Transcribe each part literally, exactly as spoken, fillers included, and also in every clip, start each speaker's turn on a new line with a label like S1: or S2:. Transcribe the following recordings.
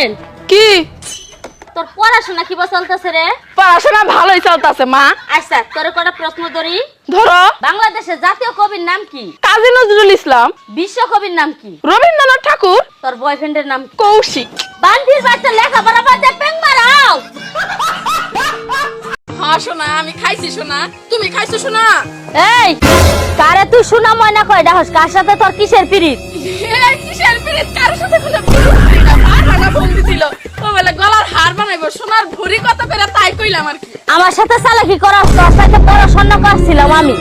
S1: Boyfriend
S2: কি
S1: তোর পড়াশোনা কি চলতেছে রে?
S2: পড়াশোনা ভালোই চলতেছে মা।
S1: আচ্ছা তোর কটা প্রশ্ন ধরি।
S2: ধরো।
S1: বাংলাদেশের জাতীয় কবির নাম কি?
S2: কাজী নজরুল ইসলাম।
S1: বিশ্ব কবির নাম কি?
S2: রবীন্দ্রনাথ ঠাকুর।
S1: তোর বয়ফ্রেন্ডের নাম কি?
S2: কৌশিক।
S1: বান্ধির বাচ্চা লেখাপড়া বাদ দিয়ে পেং মারাও।
S2: হ্যাঁ সোনা, আমি খাইছি সোনা, তুমি খাইছো সোনা?
S1: এই কারে তুই শোনা ময়না কয় ডাহস, কার সাথে তোর কিসের পিরিত?
S2: এই কিসের পিরিত? কার সাথে কোনো পিরিত ছিল না, ভাড়া বন্দি ছিল। ও বলে গলার হার বানাইবো, সোনার ভরি কত করে তাই কইলাম আর কি।
S1: আমার সাথে চালাকি করাস, তোর সাথে পড়াশোনা করছিলাম আমি।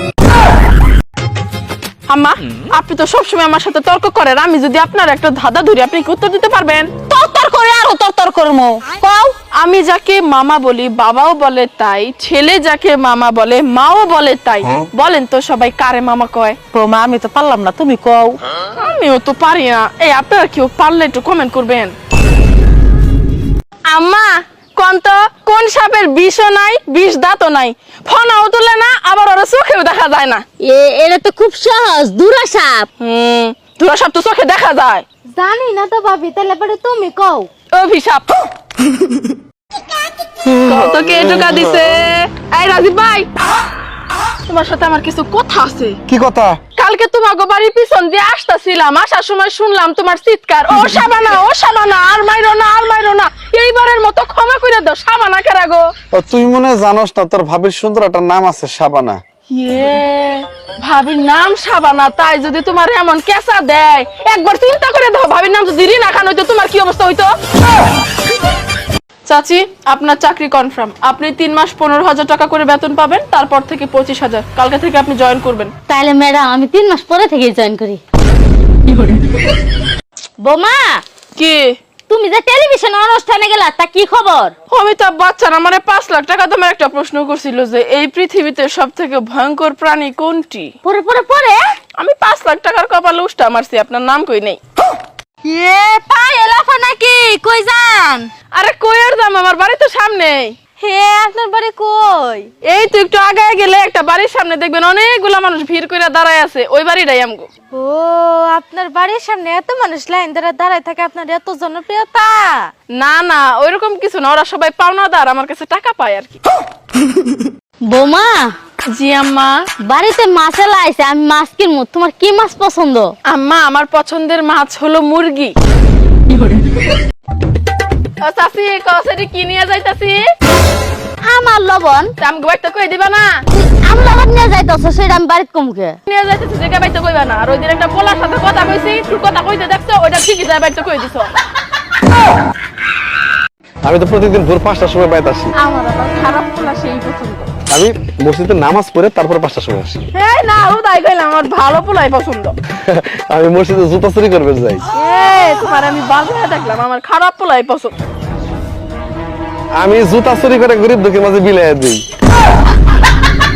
S2: আম্মা, আপনি তো সবসময় আমার সাথে তর্ক করেন, আমি যদি আপনার একটা ধাঁধা ধরি আপনি কি উত্তর দিতে পারবেন?
S1: তর করে আরো তর করমু।
S2: কও। আমি যাকে মামা বলি বাবাও বলে তাই, ছেলে যাকে মামা বলে মাও বলে তাই। বলেন তো সবাই কারে মামা কয়?
S3: মা আমি তো পারলাম না, তুমি কও।
S2: আমিও তো পারি না। এই আপনারা কেউ পারলে একটু কমেন্ট করবেন। আম্মা কোন তো কোন সাপের বিষও নাই, বিষ দাঁতও নাই, ফনাও তুলে না, আবার ওরা চোখেও দেখা যায় না।
S1: এ এটা তো খুব সহজ, দুরা সাপ।
S2: হুম, ধুরা সাপ তো চোখে দেখা যায়।
S1: জানি না তো ভাবি, তাহলে পরে তুমি কও।
S2: অভিশাপ। কত কে টোকা দিছে? এই রাজীব ভাই, তোমার সাথে আমার কিছু কথা আছে।
S4: কি কথা?
S2: কালকে তোমাকে বাড়ির পিছন দিয়ে আসতেছিলাম, আসার সময় শুনলাম তোমার চিৎকার, ও শাবানা, ও শাবানা, আর মাইরো না, আর মাইরো না। এইবারের মতো ক্ষমা করে দাও। শাবানা কেরা গো?
S4: ও তুই মনে হয় জানোস না, তোর ভাবির সুন্দর একটা নাম আছে শাবানা।
S2: ইয়ে, ভাবির নাম শাবানা, তাই যদি তোমার এমন কেসা দেয় একবার চিন্তা করে দাও, ভাবির নাম যদি রিনা খান হইতো তোমার কি অবস্থা হইতো? চাচি, আপনার চাকরি কনফার্ম। আপনি তিন মাস পনেরো হাজার টাকা করে বেতন পাবেন, তারপর থেকে পঁচিশ হাজার। কালকে থেকে আপনি জয়েন করবেন।
S1: তাহলে ম্যাডাম আমি তিন মাস পরে থেকে জয়েন করি। বোমা,
S2: কি
S1: তুমি যে টেলিভিশন অনুষ্ঠানে গেলা, তা কি খবর?
S2: অমিতাভ বচ্চন আমারে পাঁচ লাখ টাকা দামের একটা প্রশ্ন করছিল যে এই পৃথিবীতে সব থেকে ভয়ঙ্কর প্রাণী কোনটি।
S1: পরে পরে পরে
S2: আমি পাঁচ লাখ টাকার কপালে উষ্টা মারছি, আপনার নাম কই নেই।
S1: এ পাই এলাফা নাকি? কই যান?
S2: আরে কই আর দাম, আমার বাড়ি তো সামনেই।
S1: হে আপনার বাড়ি কই?
S2: এই তো একটু আগায় গেলে একটা বাড়ির সামনে দেখবেন অনেকগুলা মানুষ ভিড় করে দাঁড়ায় আছে, ওই বাড়িটাই আমগো।
S5: ও আপনার বাড়ির সামনে এত মানুষ লাইন ধরে দাঁড়ায় থাকে, আপনার এত জনপ্রিয়তা?
S2: না না, ওইরকম কিছু না, ওরা সবাই পাওনাদার, আমার কাছে টাকা পায় আর কি।
S1: বোমা,
S2: জি আম্মা।
S1: বাড়িতে মাছ এলা আইছে, আমি মাছ কিনবো। তোমার কি মাছ পছন্দ?
S2: আম্মা আমার পছন্দের মাছ হলো মুরগি। ও চাচি, কসেটি কি নিয়ে যাইতাছি?
S1: আমার লবণ।
S2: আমগো বাইতে কই দিবা না?
S1: আমি লবণ নিয়ে যাইতেছ, সেটা আমি বাড়িতে কমকে
S2: নিয়ে যাইতেছি, জায়গা বাইতে কইবা না। আর ওই দিন একটা পোলার সাথে কথা কইছি, তুই কথা কইতে দেখছো, ওইটা ঠিকই যায় বাইতে কই দিছো।
S4: আমি তো প্রতিদিন ভোর পাঁচটার সময় বাইতে আসি।
S2: আমার আবার খারাপ পোলা সেই পছন্দ।
S4: আমি মসজিদে নামাজ পড়ে তারপর পাঁচটার সময় আসি।
S2: হ্যাঁ না, ও তাই কইলাম, আমার ভালো পোলাই পছন্দ।
S4: আমি মসজিদে জুতা চুরি করবে যাই।
S2: এই তোমার আমি বাজারে দেখলাম, আমার খারাপ পোলাই পছন্দ।
S4: আমি জুতা চুরি করে গরিব দুঃখীর মাঝে বিলাইয়া দিই।